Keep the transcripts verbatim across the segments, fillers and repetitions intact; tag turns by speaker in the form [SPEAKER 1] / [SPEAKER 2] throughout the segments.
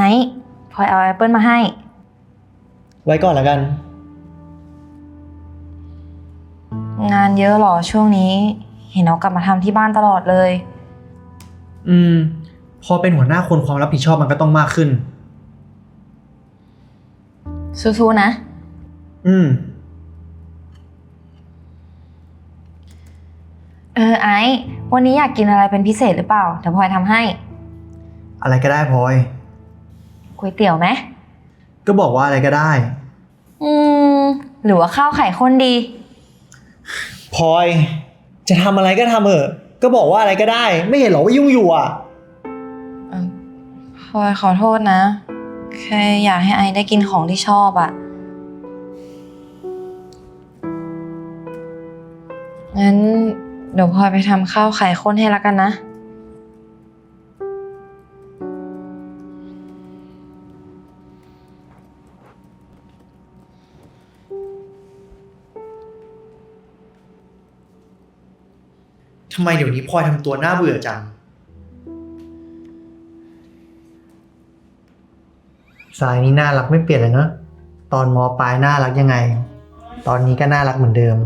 [SPEAKER 1] อ้พลอยเอาแอปเปิลมาให้
[SPEAKER 2] ไว้ก่อนแล้วกัน
[SPEAKER 1] งานเยอะหรอช่วงนี้เห็นเอากลับมาทำที่บ้านตลอดเลย
[SPEAKER 2] อืมพอเป็นหัวหน้าคนความรับผิดชอบมันก็ต้องมากขึ้น
[SPEAKER 1] สู้ๆนะ
[SPEAKER 2] อืม
[SPEAKER 1] เออไอ้วันนี้อยากกินอะไรเป็นพิเศษหรือเปล่าเดี๋ยวพลอยทำให้
[SPEAKER 2] อะไรก็ได้พลอย
[SPEAKER 1] ก๋วยเตี๋ยวไหม
[SPEAKER 2] ก็บอกว่าอะไรก็ได้
[SPEAKER 1] อืมหรือว่าข้าวไข่ข้นดี
[SPEAKER 2] พลอยจะทำอะไรก็ทำเถอะก็บอกว่าอะไรก็ได้ไม่เห็นหรอว่ายุ่งอยู่อ่ะ
[SPEAKER 1] พลอยขอโทษนะแค่อยากให้ไอได้กินของที่ชอบอ่ะงั้นเดี๋ยวพลอยไปทำข้าวไข่ข้นให้ละกันนะ
[SPEAKER 2] ทำไมเดี๋ยวนี้พลอยทำตัวน่าเบื่อจังสายนี้น่ารักไม่เปลี่ยนเลยเนอะตอนม.ปลายน่ารักยังไงตอนนี้ก็น่ารักเหมือนเดิม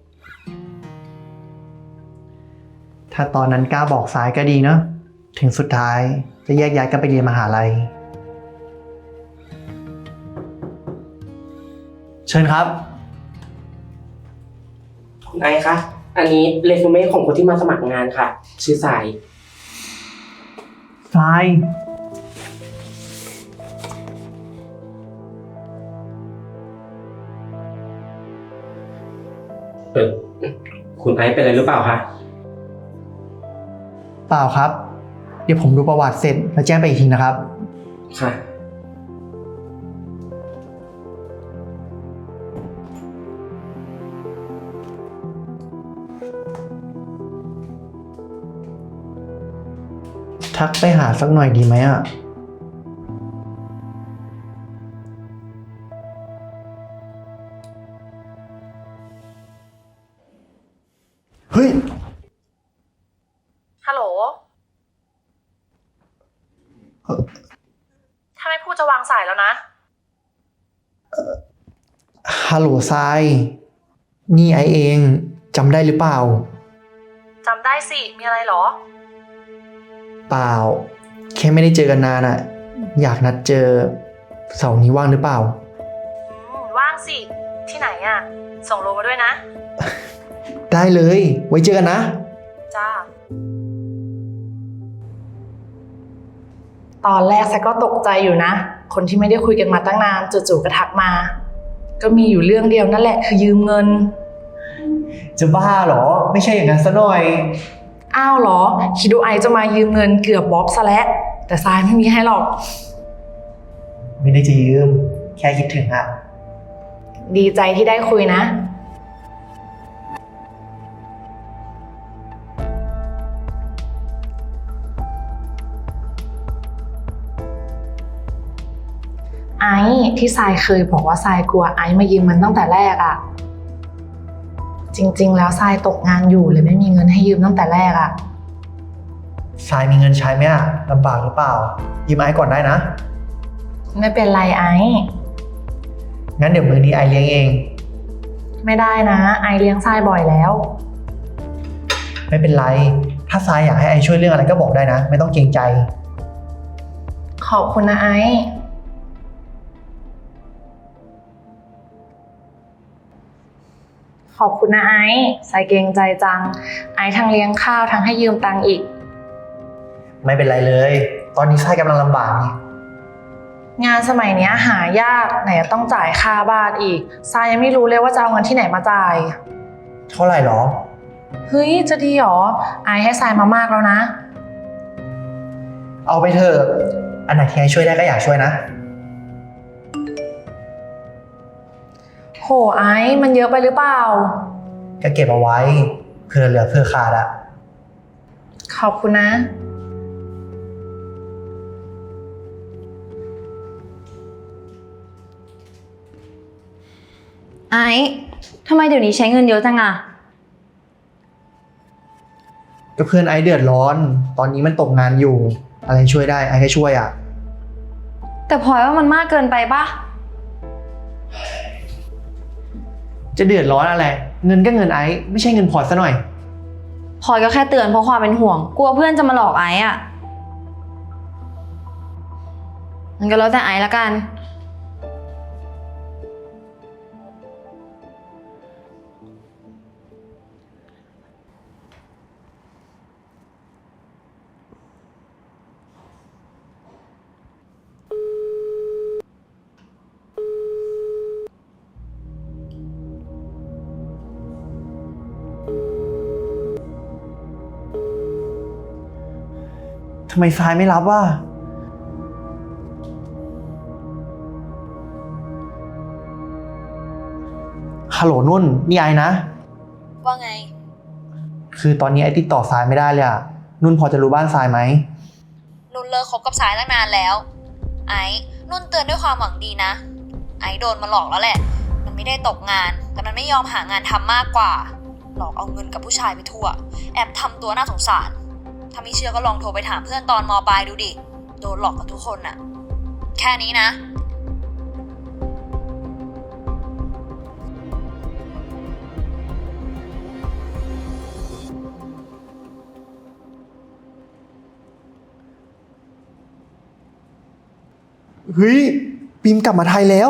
[SPEAKER 2] ถ้าตอนนั้นกล้าบอกสายก็ดีเนอะถึงสุดท้ายจะแยกย้ายกันไปเรียนมหาลัยเชิญครับ
[SPEAKER 3] คุณไอซ์คะอันนี้เรซูเม่ของคนที่มาสมัครงานค่ะชื่อสาย
[SPEAKER 2] สาย
[SPEAKER 3] เออคุณไอซ์เป็นอะไรหรือเปล่าคะ
[SPEAKER 2] เปล่าครับเดี๋ยวผมดูประวัติเสร็จแล้วแจ้งไปอีกทีนะครับ
[SPEAKER 3] ค่ะ
[SPEAKER 2] ทักไปหาสักหน่อยดีไหมอ่ะเฮ้ย
[SPEAKER 1] ฮัลโหลถ้าไม่พูดจะวางสายแล้วนะ
[SPEAKER 2] ฮัลโหลทรายนี่ไอเองจำได้หรือเปล่า
[SPEAKER 1] จำได้สิมีอะไรหรอ
[SPEAKER 2] เปล่าแค่ไม่ได้เจอกันนานอะอยากนัดเจอเสาร์นี้ว่างหรือเปล่า
[SPEAKER 1] อืมว่างสิที่ไหนอะส่งโลมาด้วยนะ
[SPEAKER 2] ได้เลยไว้เจอกันนะ
[SPEAKER 1] จ้าตอนแรกแซก็ตกใจอยู่นะคนที่ไม่ได้คุยกันมาตั้งนานจู่ๆก็ทักมาก็มีอยู่เรื่องเดียวนั่นแหละคือยืมเงิน
[SPEAKER 2] จะบ้าเหรอไม่ใช่อย่างนั้นซะหน่อย
[SPEAKER 1] อ้าวเหรอคิดดูไอจะมายืมเงินเกือบบล็อกซะแล้วแต่ทรายไม่มีให้หรอก
[SPEAKER 2] ไม่ได้จะยืมแค่คิดถึงอะ
[SPEAKER 1] ดีใจที่ได้คุยนะไอที่ทรายเคยบอกว่าทรายกลัวไอมายืมเงินตั้งแต่แรกอะจริงๆแล้วทรายตกงานอยู่เลยไม่มีเงินให้ยืมตั้งแต่แรกอะ
[SPEAKER 2] ทรายมีเงินใช้ไหมอะลำบากหรือเปล่ายืมไอก่อนได้นะ
[SPEAKER 1] ไม่เป็นไรไอ
[SPEAKER 2] งั้นเดี๋ยวมื้อนี้ไอเลี้ยงเอง
[SPEAKER 1] ไม่ได้นะไอเลี้ยงทรายบ่อยแล้ว
[SPEAKER 2] ไม่เป็นไรถ้าทรายอยากให้ไอช่วยเรื่องอะไรก็บอกได้นะไม่ต้องเกรงใจ
[SPEAKER 1] ขอบคุณนะไอขอบคุณนะไอซ์ใส่เกรงใจจังไอซ์ทั้งเลี้ยงข้าวทั้งให้ยืมตังค์อีก
[SPEAKER 2] ไม่เป็นไรเลยตอนนี้ทรายกำลังลำบากนี่
[SPEAKER 1] งานสมัยนี้หายากไหนจะต้องจ่ายค่าบ้านอีกทรายยังไม่รู้เลยว่าจะเอาเงินที่ไหนมาจ่าย
[SPEAKER 2] เท่าไหร่หรอ
[SPEAKER 1] เฮ้ยจะดีหรอไอซ์ให้ทรายมามากแล้วนะ
[SPEAKER 2] เอาไปเถอะอันไหนที่ไอช่วยได้ก็อยากช่วยนะ
[SPEAKER 1] โหไอซ์มันเยอะไปหรือเปล่า
[SPEAKER 2] ก็เก็บเอาไว้เผื่อเหลือเผื่อขาดอะ
[SPEAKER 1] ขอบคุณนะไอซ์ทำไมเดี๋ยวนี้ใช้เงินเยอะจังอะ
[SPEAKER 2] ก็เพื่อนไอเดือดร้อนตอนนี้มันตกงานอยู่อะไรช่วยได้ไอก็ช่วยอะ
[SPEAKER 4] แต่พลอยว่ามันมากเกินไปปะ
[SPEAKER 2] จะเดือดร้อนอะไร เงินก็เงินไอซ์ไม่ใช่เงินพอร์ตซะหน่อย
[SPEAKER 4] พลอยก็แค่เตือนเพราะความเป็นห่วง กลัวเพื่อนจะมาหลอกไอซ์อ่ะมันก็แล้วแต่ไอซ์ละกัน
[SPEAKER 2] ทำไมทรายไม่รับวะฮัลโหลนุ่นนี่ไอ้นะ
[SPEAKER 4] ว่าไง
[SPEAKER 2] คือตอนนี้ไอ้ติดต่อทรายไม่ได้เลยอะนุ่นพอจะรู้บ้านทรายไหม
[SPEAKER 4] นุ่นเลิกคบกับสายตั้งนานแล้ว ไอ้นุ่นเตือนด้วยความหวังดีนะ ไอ้โดนมาหลอกแล้วแหละ มันไม่ได้ตกงาน แต่มันไม่ยอมหางานทำมากกว่า หลอกเอาเงินกับผู้ชายไปทั่ว แอบทำตัวน่าสงสาร ถ้าไม่เชื่อก็ลองโทรไปถามเพื่อนตอนม.ปลายดูดิ โดนหลอกกับทุกคนน่ะ แค่นี้นะ
[SPEAKER 2] เฮ้ยปิมกลับมาไทยแล้ว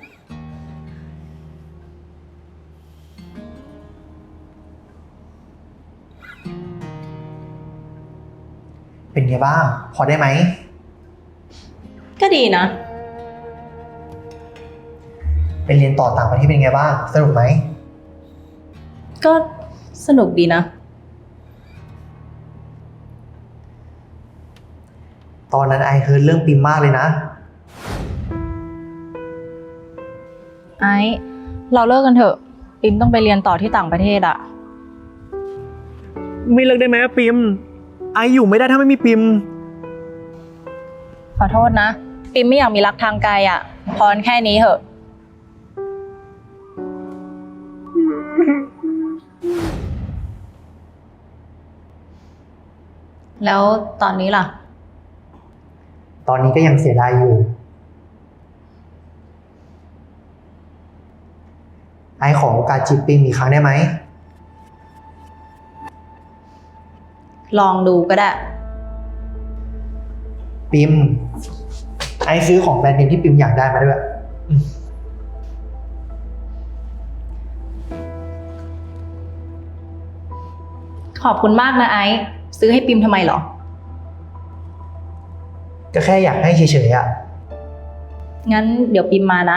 [SPEAKER 2] เป็นไงบ้าง พอได้ไหม
[SPEAKER 5] ก็ดีนะ
[SPEAKER 2] ไปเรียนต่อต่างประเทศเป็นไงบ้าง สนุกไหม
[SPEAKER 5] ก็สนุกดีนะ
[SPEAKER 2] ตอนนั้นไอเฮิร์ตเรื่องปิมมากเลยนะ
[SPEAKER 5] ไอซ์เราเลิกกันเถอะปิมต้องไปเรียนต่อที่ต่างประเทศอะ
[SPEAKER 2] ไม่เลิกได้ไหมปิม ไออยู่ไม่ได้ถ้าไม่มีปิม
[SPEAKER 5] ขอโทษนะ ปิมไม่อยากมีรักทางไกลอะพอแค่นี้เถอะ แล้วตอนนี้ล่ะ
[SPEAKER 2] ตอนนี้ก็ยังเสียดายอยู่ ไอขอโอกาสจีบปิมอีกครั้งได้ไหม
[SPEAKER 5] ลองดูก็ได้
[SPEAKER 2] ปิม ไอซื้อของแบรนด์เนมที่ปิมอยากได้มาด้วยอืม
[SPEAKER 5] ขอบคุณมากนะไอซ์ซื้อให้ปิมทำไมเหรอ
[SPEAKER 2] ก็แค่อยากให้เฉยๆอ่ะ
[SPEAKER 5] งั้นเดี๋ยวปิมมานะ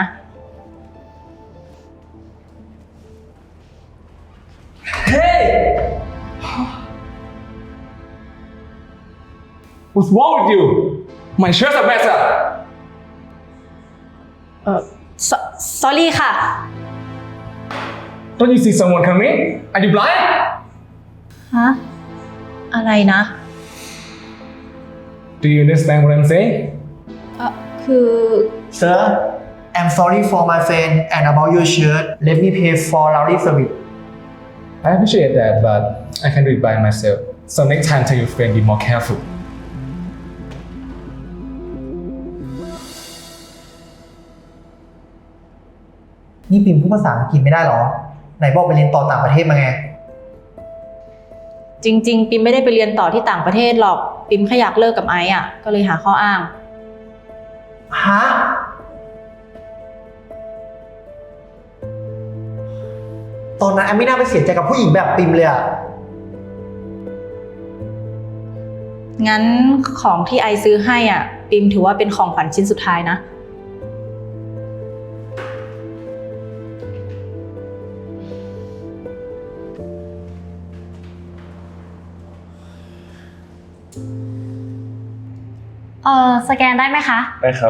[SPEAKER 6] What's wrong with you? My shirts are better.
[SPEAKER 5] เออ sorry ค่ะ
[SPEAKER 6] Don't you see someone coming? Are you blind?
[SPEAKER 5] ฮะ อะไรนะ
[SPEAKER 6] Do you understand what I'm saying?
[SPEAKER 5] เออคือ
[SPEAKER 2] Sir I'm sorry for my friend and about your shirt let me pay for laundry service
[SPEAKER 6] I appreciate that, but I can do it by myself. So next time, tell your friend be more careful.
[SPEAKER 2] นี่ปิมพูดภาษาอังกฤษไม่ได้หรอ ไหนบอกไปเรียนต่อต่างประเทศมาไง
[SPEAKER 5] จริงๆ ปิมไม่ได้ไปเรียนต่อที่ต่างประเทศหรอก ปิมแค่อยากเลิกกับไอซ์อ่ะ ก็เลยหาข้ออ้าง
[SPEAKER 2] ฮะ ตอนนั้นแอมไม่น่าไปเสียใจกับผู้หญิงแบบปิมเลยอะ
[SPEAKER 5] งั้นของที่ไอซ์ซื้อให้อ่ะ ปิมถือว่าเป็นของขวัญชิ้นสุดท้ายนะ
[SPEAKER 4] เออสแกนได้ไหมคะ
[SPEAKER 6] ได้ครับ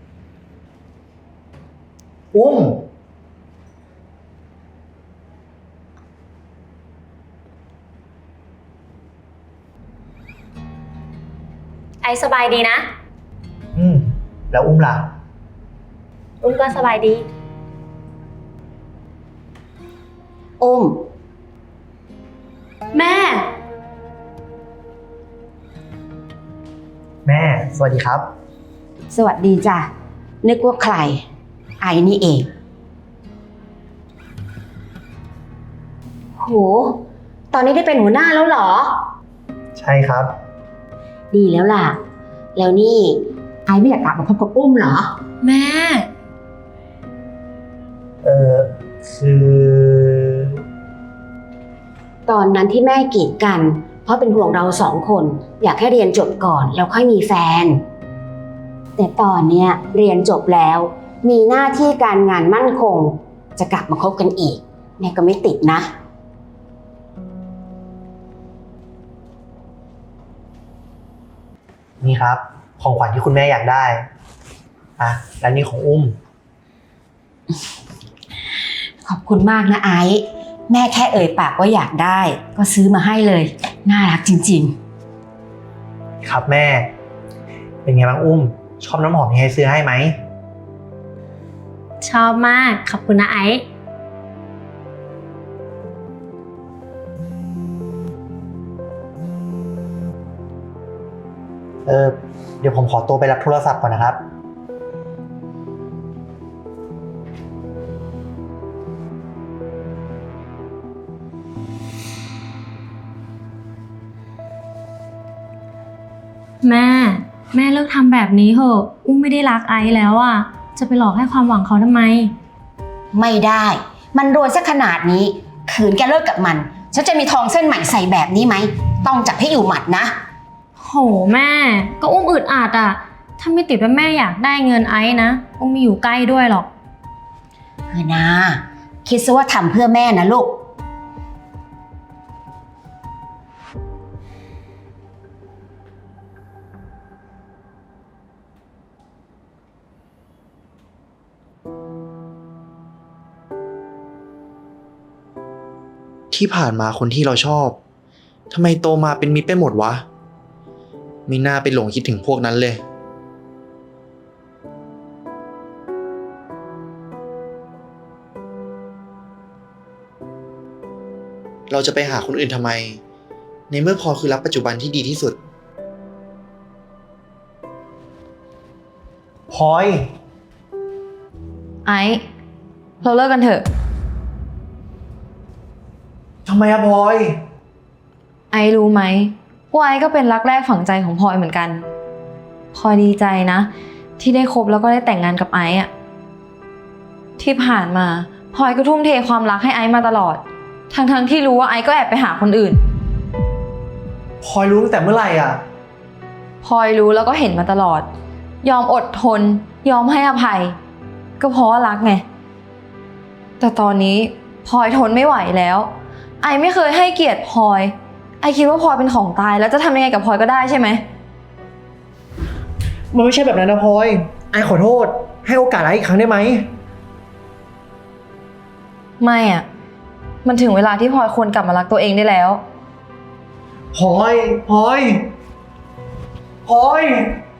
[SPEAKER 2] อุ้ม
[SPEAKER 4] ไอสบายดีนะ
[SPEAKER 2] อืม แล้วอุ้มล่ะ
[SPEAKER 4] อุ้มก็สบายดี
[SPEAKER 3] อุ้ม
[SPEAKER 4] แม่
[SPEAKER 2] แม่ สวัสดีครับ
[SPEAKER 7] สวัสดีจ้ะ นึกว่าใคร ไอ้นี่เอง โห ตอนนี้ได้เป็นหัวหน้าแล้วเหรอ
[SPEAKER 2] ใช่ครับ
[SPEAKER 7] ดีแล้วล่ะ แล้วนี่ ไอ้ไม่อยากกลับมาคบกับอุ้มเหรอ
[SPEAKER 4] แม่
[SPEAKER 2] เออคือ
[SPEAKER 7] ตอนนั้นที่แม่กีดกัน เพราะเป็นห่วงเราสองคน อยากให้เรียนจบก่อนแล้วค่อยมีแฟน แต่ตอนเนี้ยเรียนจบแล้ว มีหน้าที่การงานมั่นคง จะกลับมาคบกันอีก แม่ก็ไม่ติดนะ
[SPEAKER 2] นี่ครับ ของขวัญที่คุณแม่อยากได้อ่ะและนี่ของอุ้ม
[SPEAKER 7] ขอบคุณมากนะไอซ์แม่แค่เอ่ยปากว่าอยากได้ ก็ซื้อมาให้เลย น่ารักจริง
[SPEAKER 2] ครับแม่ เป็นไงบ้างอุ้ม ชอบน้ำหอมที่ให้ซื้อให้ไหม
[SPEAKER 8] ชอบมาก ขอบคุณนะไอซ์
[SPEAKER 2] เออเดี๋ยวผมขอตัวไปรับโทรศัพท์ก่อนนะครับ
[SPEAKER 8] แม่ แม่เลิกทำแบบนี้เถอะ อุ้มไม่ได้รักไอซ์แล้วอ่ะ จะไปหลอกให้ความหวังเขาทำไม
[SPEAKER 7] ๆ ไม่ได้ มันรวยซะขนาดนี้ ขืนแกเลิกกับมัน ฉันจะมีทองเส้นใหม่ใส่แบบนี้ไหม ต้องจับให้อยู่หมัดนะ
[SPEAKER 8] โหแม่ ก็อุ้มอึดอัดอ่ะ ถ้าไม่ติดว่าแม่อยากได้เงินไอซ์นะ อุ้มไม่อยู่ใกล้ด้วยหรอก
[SPEAKER 7] เออนะคิดซะว่าทำเพื่อแม่นะลูก
[SPEAKER 2] ที่ผ่านมาคนที่เราชอบทำไมโตมาเป็นมิตรไปหมดวะไม่น่าไปหลงคิดถึงพวกนั้นเลย เราจะไปหาคนอื่นทำไม ในเมื่อพอคือรักปัจจุบันที่ดีที่สุดพลอย
[SPEAKER 4] ไอซ์เราเลิกกันเถอะ
[SPEAKER 2] ทำไมอะพลอย
[SPEAKER 4] ไอซ์รู้ไหมว่าไอซ์ก็เป็นรักแรกฝังใจของพลอยเหมือนกันพลอยดีใจนะ ที่ได้คบแล้วก็ได้แต่งงานกับไอซ์อะที่ผ่านมาพลอยก็ทุ่มเทความรักให้ไอซ์มาตลอด ทั้งๆที่รู้ว่าไอซ์ก็แอบไปหาคนอื่น
[SPEAKER 2] พลอยรู้ตั้งแต่เมื่อไหร่อ่ะ
[SPEAKER 4] พลอยรู้แล้วก็เห็นมาตลอด ยอมอดทน ยอมให้อภัย ก็เพราะว่ารักไงแต่ตอนนี้พลอยทนไม่ไหวแล้วไอไม่เคยให้เกียรติพลอยไอคิดว่าพลอยเป็นของตายแล้วจะทำยังไงกับพลอยก็ได้ใช่ไหม
[SPEAKER 2] มันไม่ใช่แบบนั้นนะพลอย ไอขอโทษ ให้โอกาสไออีกครั้งได้ไหม
[SPEAKER 4] ไม่อ่ะมันถึงเวลาที่พลอยควรกลับมารักตัวเองได้แล้ว
[SPEAKER 2] พลอย พลอย พลอย